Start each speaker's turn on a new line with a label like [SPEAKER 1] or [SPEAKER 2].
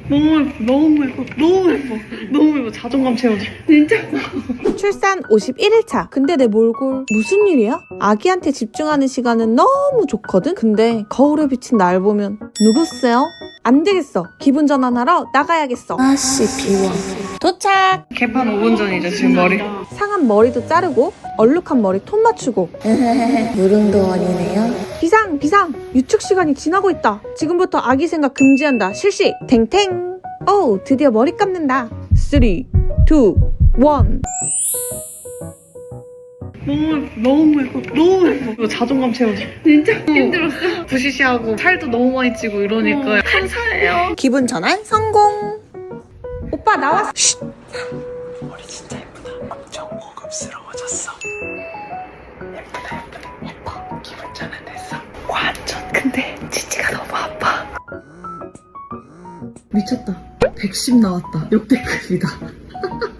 [SPEAKER 1] 너무 예뻐, 너무 예뻐, 너무 예뻐, 너무 예뻐. 자존감 채워줘. 진짜.
[SPEAKER 2] 출산 51일차. 근데 내 몰골 무슨 일이야? 아기한테 집중하는 시간은 너무 좋거든? 근데 거울에 비친 날 보면 누구세요? 안 되겠어. 기분 전환하러 나가야겠어.
[SPEAKER 3] 아씨 비워.
[SPEAKER 2] 도착!
[SPEAKER 1] 개판 5분 전이죠, 지금 머리.
[SPEAKER 2] 상한 머리도 자르고 얼룩한 머리 톤 맞추고
[SPEAKER 3] 무릉도원이네요.
[SPEAKER 2] 비상! 유축 시간이 지나고 있다. 지금부터 아기 생각 금지한다. 실시! 탱탱! 오, 드디어 머리 감는다. 3, 2, 1.
[SPEAKER 1] 너무 예뻐, 너무 예뻐. 이거 자존감 채워줘. 진짜 힘들었어. 부시시하고 살도 너무 많이 찌고 이러니까 감사해요.
[SPEAKER 2] 기분 전환 성공! 오빠 나왔어. 쉿!
[SPEAKER 4] 머리 진짜 예쁘다. 엄청 고급스러워졌어. 예뻐. 기분 전환됐어.
[SPEAKER 1] 완전. 근데 치치가 너무 아파. 미쳤다. 110 나왔다. 역대급이다.